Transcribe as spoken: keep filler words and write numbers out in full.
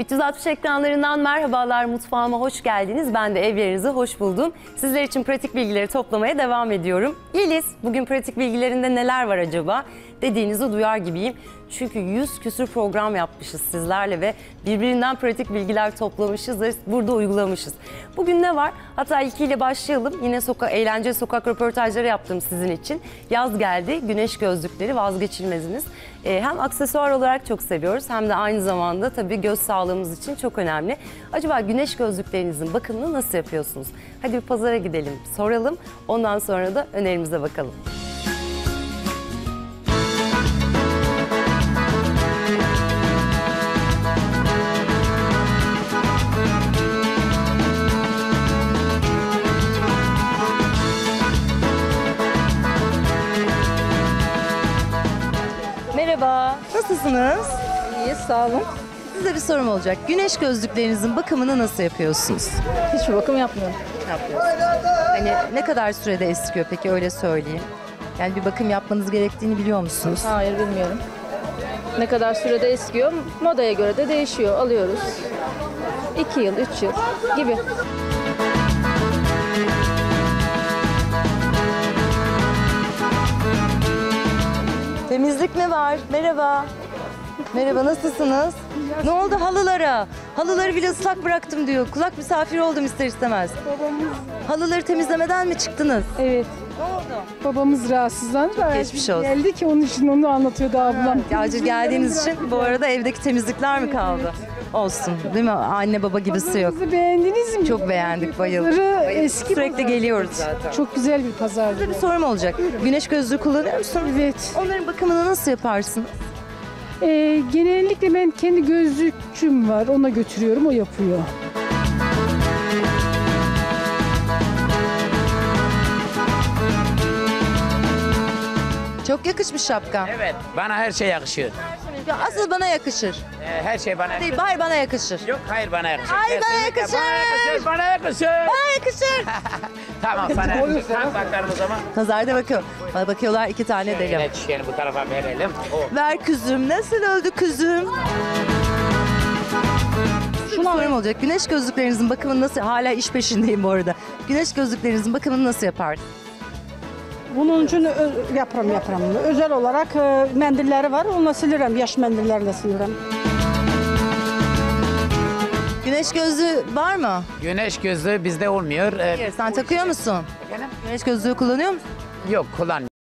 üç yüz altmış ekranlarından merhabalar, mutfağıma hoş geldiniz. Ben de evlerinizi hoş buldum. Sizler için pratik bilgileri toplamaya devam ediyorum. Yeliz, bugün pratik bilgilerinde neler var acaba dediğinizi duyar gibiyim. Çünkü yüz küsür program yapmışız sizlerle ve birbirinden pratik bilgiler toplamışız ve burada uygulamışız. Bugün ne var? Hatta ilkiyle başlayalım. Yine soka eğlence sokak röportajları yaptım sizin için. Yaz geldi. Güneş gözlükleri vazgeçilmeziniz. Ee, hem aksesuar olarak çok seviyoruz hem de aynı zamanda tabii göz sağlığımız için çok önemli. Acaba güneş gözlüklerinizin bakımını nasıl yapıyorsunuz? Hadi bir pazara gidelim, soralım. Ondan sonra da önerimize bakalım. Merhaba, nasılsınız? İyi, sağ olun. Size bir sorum olacak. Güneş gözlüklerinizin bakımını nasıl yapıyorsunuz? Hiçbir bakım yapmıyorum. Yapıyorsunuz. Hani ne kadar sürede eskiyor peki, öyle söyleyeyim. Yani bir bakım yapmanız gerektiğini biliyor musunuz? Hayır, bilmiyorum. Ne kadar sürede eskiyor, modaya göre de değişiyor. Alıyoruz. İki yıl, üç yıl gibi. Temizlik mi var? Merhaba. Merhaba, nasılsınız? Ne oldu halılara? Halıları bile ıslak bıraktım diyor. Kulak misafiri oldum ister istemez. Babamız, Halıları temizlemeden mi çıktınız? evet. Ne oldu? Babamız rahatsızlandı da geçmiş olsun. geldi ki onun için onu anlatıyordu ablam. Acil geldiğiniz için bu arada evdeki temizlikler mi kaldı? Olsun, değil mi? Anne baba gibisi yok. Pazarımızı beğendiniz mi? Çok beğendik, bayıldık. Pazarı eski Sürekli pazar. geliyoruz zaten. Çok güzel bir pazardı. Size bir sorum olacak. Güneş gözlüğü kullanıyor musunuz? Evet. Onların bakımını nasıl yaparsınız? Ee, genellikle ben kendi gözlükçüm var. Ona götürüyorum, o yapıyor. Çok yakışmış şapka. Evet, bana her şey yakışıyor. Ya asıl bana yakışır. Ee, her şey bana Değil, yakışıyor. hayır bana yakışır. Yok, hayır bana yakışır. Hayır, bana Kesinlikle yakışır. Bana yakışır, bana yakışır. Bana yakışır. Tamam, sana yakışır. Tam bakalım o zaman. Nazarda bakıyor. Bana bakıyorlar, iki tane delim. Şöyle çiçeğini bu tarafa verelim. O. Ver kuzum, nasıl öldü kuzum? Şu sorum olacak. Güneş gözlüklerinizin bakımını nasıl... Hala iş peşindeyim bu arada. Güneş gözlüklerinizin bakımını nasıl yapardınız? Bunun için ö- yaparım yaparım. Özel olarak e, mendilleri var. Onunla silirim. Yaş mendillerle silirim. Güneş gözlüğü var mı? Güneş gözlüğü bizde olmuyor. Ee, Hayır, sen takıyor musun? Efendim? Güneş gözlüğü kullanıyor musun? Yok, kullan.